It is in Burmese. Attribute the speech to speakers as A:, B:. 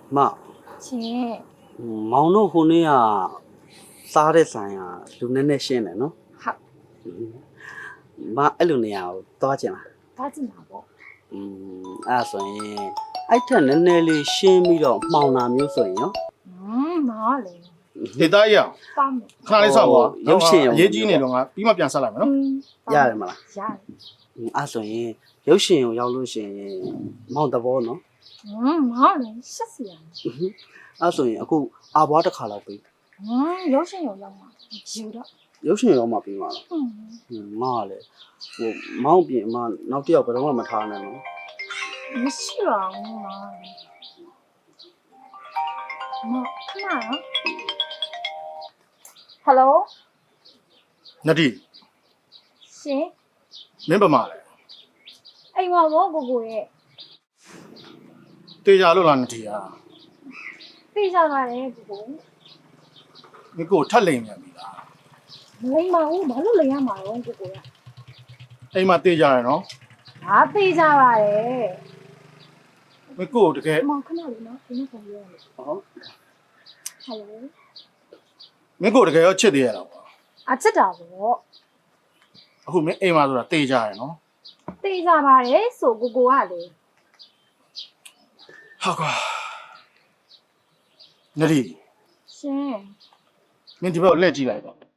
A: 妈，
B: 亲，
A: 毛弄糊呢呀，啥的山呀，路奶奶先来喏。
B: 好，
A: 妈，哎路呢呀，多少钱啦？
B: 打字拿不？
A: 所以，哎天奶奶哩先米了毛那မျိုးဆိုရင်ရော
B: 哪里？
C: ဒေတာကြီး
B: 八枚。
C: ခဏလေးဆောက်ပါ
A: ရုပ်ရှင်ရုံ
C: အရေးကြီးနေတော့ငါပြီးမှပြန်ဆက်လိုက်မယ်နော်
A: ရတယ်မလား
B: ရတယ်
A: ဆိုရင်ရုပ်ရှင်ကိုရောက်လို့ရှိရင်မောင်တဘောနော်
B: 哪里？吓死人！
A: ဆိုရင်အခုအာဘွားတစ်ခါလောက်ပြီ
B: 有钱有用吗？有的。
A: ရုပ်ရှင်ရောမှပြီးမှာလားမကလည်းဟိုမောင်ပြင်အမနောက်တစ်ယောက်ဘယ်တော့မှမထားနဲ့နော်
B: 没事了，妈。妈，看哪啊 ？Hello，
C: နတိ
B: 行。
C: မင်းပါမလဲ
B: 哎，我姑姑耶，
C: တေချာလို့လားနတိဟာ
B: 背上来嘞，姑姑。
C: မင်းကိုထက်လိမ်မြန်ပြီလား
B: 没嘛，我马路来呀嘛，我姑姑呀。
C: အိမ်မှာတေချာရယ်နော်
B: 啊，背上来嘞。
C: မင်းကိုတကယ်
B: 妈，看哪里呢？给你朋友。
A: ဟော
B: Hello。
C: မင်းကိုတကယ်ရောချစ်သေးရတော့ကွာ
B: 啊，知道不？
C: အခုမင်းအိမ်မှာဆိုတာတေချာရယ်နော်
B: 背上来嘞，说姑姑啊嘞。
C: ဟာကွာနတိ
B: 行。
C: မင်းဒီဘက်ကိုလှည့်ကြည့်လိုက်တော့